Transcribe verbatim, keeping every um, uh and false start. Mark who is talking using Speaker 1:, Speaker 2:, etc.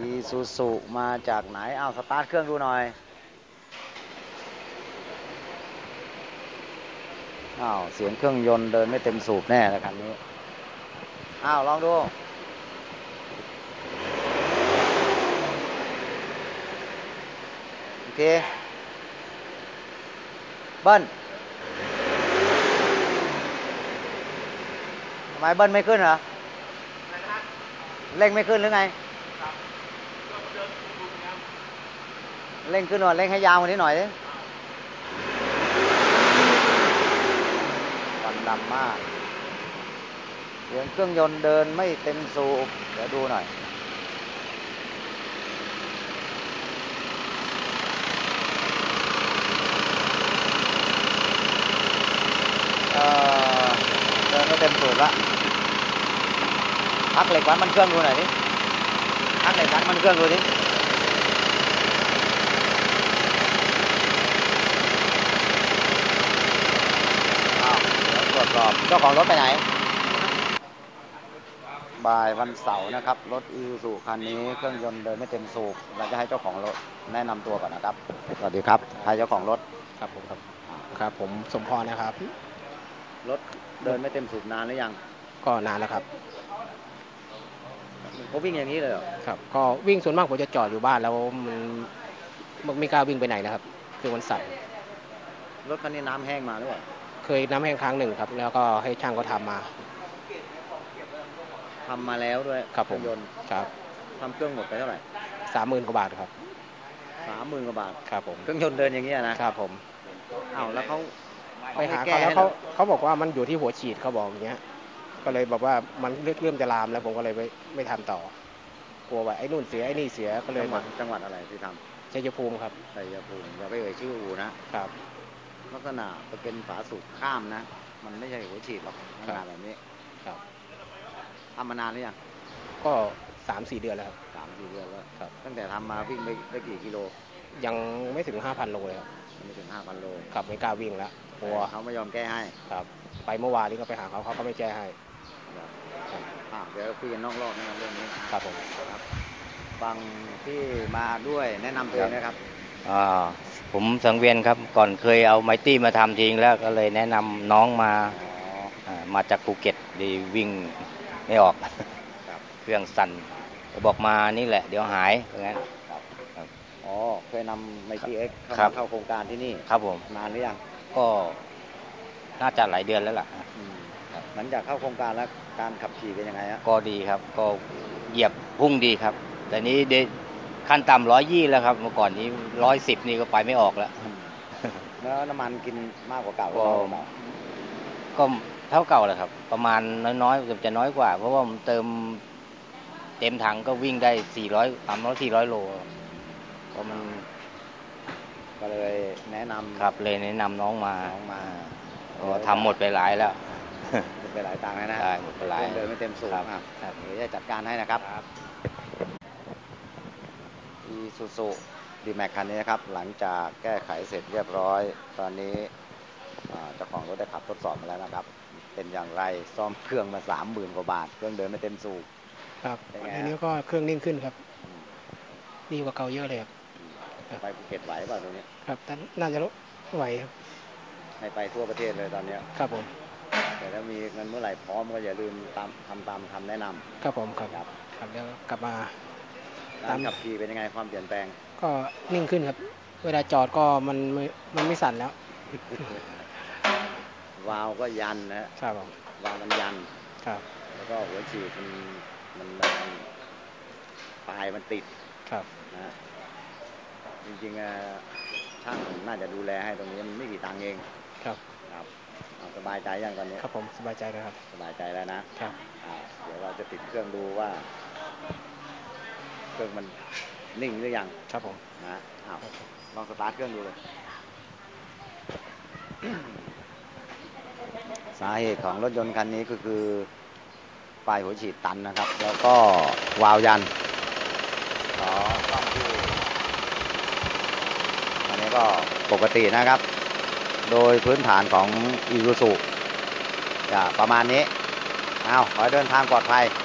Speaker 1: อีซูซูมาจากไหนอ้าวสตาร์ทเครื่องดูหน่อยอ้าวเสียงเครื่องยนต์เดินไม่เต็มสูบแน่แล้วคันนี้อ้าวลองดูโอเคเบิ้ลทำไมเบิ้ลไม่ขึ้นเหรอเร่งไม่ขึ้นหรือไงเร่งขึ้นหน่อยเร่งให้ยาวกว่านี้หน่อยดิควันดำมากเสียงเครื่องยนต์เดินไม่เต็มสูบเดี๋ยวดูหน่อยเออเดินไม่เต็มสูบละพักเหล็กวัดมันเครื่องดูหน่อยดิพักเหล็กวัดมันเครื่องดูดิอ้าวเดี๋ยวตรวจสอบเจ้าของรถไปไหนบ่ายวันเสาร์นะครับรถอีซูซูคันนี้เครื่องยนต์เดินไม่เต็มสูบเราจะให้เจ้าของรถแนะนำตัวก่อนนะครับสวัสดีครับใครเจ้าของรถ
Speaker 2: ครับผมครับครับผมสมพรนะครับ
Speaker 1: รถเดินไม่เต็มสูบนานหรือยัง
Speaker 2: ก็นานแล้วครับ
Speaker 1: เขาวิ่งอย่างนี้เลยเหรอ
Speaker 2: ครับก็วิ่งส่วนมากผมจะจอดอยู่บ้านแล้วมันไม่กล้าวิ่งไปไหนนะครับคือมันสั่น
Speaker 1: รถคันนี้น้ำแห้งมาหรือเปล่า
Speaker 2: เคยน้ำแห้งครั้งหนึ่งครับแล้วก็ให้ช่างก็ทำมา
Speaker 1: ทำมาแล้วด้วย
Speaker 2: ครับผม
Speaker 1: ยนต์
Speaker 2: ครับ
Speaker 1: ทำเครื่องหมดไปเท่าไหร่
Speaker 2: สามหมื่นกว่าบาทครับ
Speaker 1: สามหมื่นกว่าบาท
Speaker 2: ครับผม
Speaker 1: เครื่องยนต์เดินอย่างนี้นะครับ
Speaker 2: ผม
Speaker 1: อ้าวแล้วเขา
Speaker 2: ไปหาเขาแล้วเขาเขาบอกว่ามันอยู่ที่หัวฉีดเขาบอกอย่างเงี้ยก็เลยบอกว่ามันเริ่มจะลามแล้วผมก็เลยไม่ไม่ทำต่อกลัวว่าไอ้นู่นเสียไอ้นี่เสียก็เลย
Speaker 1: จังหวัดจังหวัดอะไรที่ท
Speaker 2: ำชัยภูมิครับ
Speaker 1: ชัยภูมิอย่าไปเอ่ยชื่ออู่นะครับลักษณะจะเป็นฝาสูบข้ามนะมันไม่ใช่หัวฉีดหรอกลักษณะแบบนี้
Speaker 2: ครับ
Speaker 1: ทำมานานหรือยัง
Speaker 2: ก็สามสี่เดือนแล้วครับ
Speaker 1: สามสี่เดือนแล้วครับตั้งแต่ทำมาวิ่งไปได้กี่กิโล
Speaker 2: ยังไม่ถึงห้าพันโลเลยครับ
Speaker 1: ไม่ถึงห้าพันโล
Speaker 2: ครับไม่กล้าวิ่งแล้วกลัว
Speaker 1: เขาไม่ยอมแก้ให้
Speaker 2: ครับไปเมื่อวานนี้ก็ไปหาเขาเขาก็ไม่แก้ให้
Speaker 1: เดี๋ยวคุยกันนอกรอบนะครับเรื่องนี้
Speaker 2: ครับผม
Speaker 1: ครับบางที่มาด้วยแนะนำตัวนะครับ
Speaker 3: อ่าผมสังเวียนครับก่อนเคยเอาไมตี้มาทำทิ้งแล้วก็เลยแนะนำน้องมามาจากภูเก็ตดีวิ่งไม่ออกเครื่องสั่นบอกมานี่แหละเดี๋ยวหายเพราะงั้น
Speaker 1: อ๋อเคยนำไมตี้เอ็กเข้าเข้าโครงการที่นี่
Speaker 3: ครับผม
Speaker 1: นานหรือยัง
Speaker 3: ก็น่าจะหลายเดือนแล้วล่ะ
Speaker 1: หลังจากเข้าโครงการแล้วการขับขี่เป็นยังไงฮะ
Speaker 3: ก็ดีครับก็เหยียบพุ่งดีครับแต่นี้เดขั้นต่ำร้อยยี่แล้วครับเมื่อก่อนนี้ร้อยสิบนี่ก็ไปไม่ออกแล้ว
Speaker 1: แล้วน้ำมันกินมากกว่าเก่า
Speaker 3: ก็ก็เท่าเก่าแหละครับประมาณน้อยๆจะน้อยกว่าเพราะว่าผมเติมเต็มถังก็วิ่งได้สี่ร้อยสามร้อยสี่ร้อยโลก็มัน
Speaker 1: ก็เลยแนะนำ
Speaker 3: ครับเลยแนะนำน้องมา
Speaker 1: น้องมา
Speaker 3: ก็ทำหมดไปหลายแล้ว
Speaker 1: หมดไปหลายตังค์แล้วนะ
Speaker 3: ใช่หมดไปหลาย
Speaker 1: เดินไม่เต็มสูบครับเดี๋ยวจะจัดการให้นะครับอีซูซูดีแม็กคันนี้นะครับหลังจากแก้ไขเสร็จเรียบร้อยตอนนี้เจ้าของรถได้ขับทดสอบมาแล้วนะครับเป็นอย่างไรซ่อมเครื่องมาสามหมื่นกว่าบาทเครื่องเดินไม่เต็มสูบ
Speaker 2: ครับอันนี้ก็เครื่องนิ่งขึ้นครับดีกว่าเก่าเยอะเลยครับ
Speaker 1: ไปภูเก็ตไหวป่ะตรงนี้
Speaker 2: ครับน่าจะไหวครับ
Speaker 1: ให้ไปทั่วประเทศเลยตอนนี้
Speaker 2: ครับผม
Speaker 1: แต่ถ้ามีเงินเมื่อไหร่พร้อมก็อย่าลืมตามทำตามคำแนะนำ
Speaker 2: ครับผมครับครับแล้วกลับมา
Speaker 1: ตามขับขี่เป็นยังไงความเปลี่ยนแปลง
Speaker 2: ก็นิ่งขึ้นครับเวลาจอดก็มันไม่มันไม่สั่นแล้ว
Speaker 1: วาล์วก็ยันนะครับวาล์วมันยัน
Speaker 2: ครับ
Speaker 1: แล้วก็หัวฉีดมันมันปลายมันติด
Speaker 2: ครับ
Speaker 1: นะจริงๆช่างน่าจะดูแลให้ตรงนี้มันไม่กี่ตังค์เอง
Speaker 2: ครับ
Speaker 1: ครับสบายใจยังตอนนี้
Speaker 2: ครับผมสบายใจแล้วครับ
Speaker 1: สบายใจแล้วนะครับเดี๋ยวเราจะติดเครื่องดูว่าเครื่องมันนิ่งหรือยัง
Speaker 2: ครับผม
Speaker 1: นะอ้าวลองสตาร์ทเครื่องดูเลยสาเหตุของรถยนต์คันนี้ก็คือปลายหัวฉีดตันนะครับแล้วก็วาล์วยันอ๋ออันนี้ก็ปกตินะครับโดยพื้นฐานของอีซูซูจะประมาณนี้เอาขอให้เดินทางปลอดภัย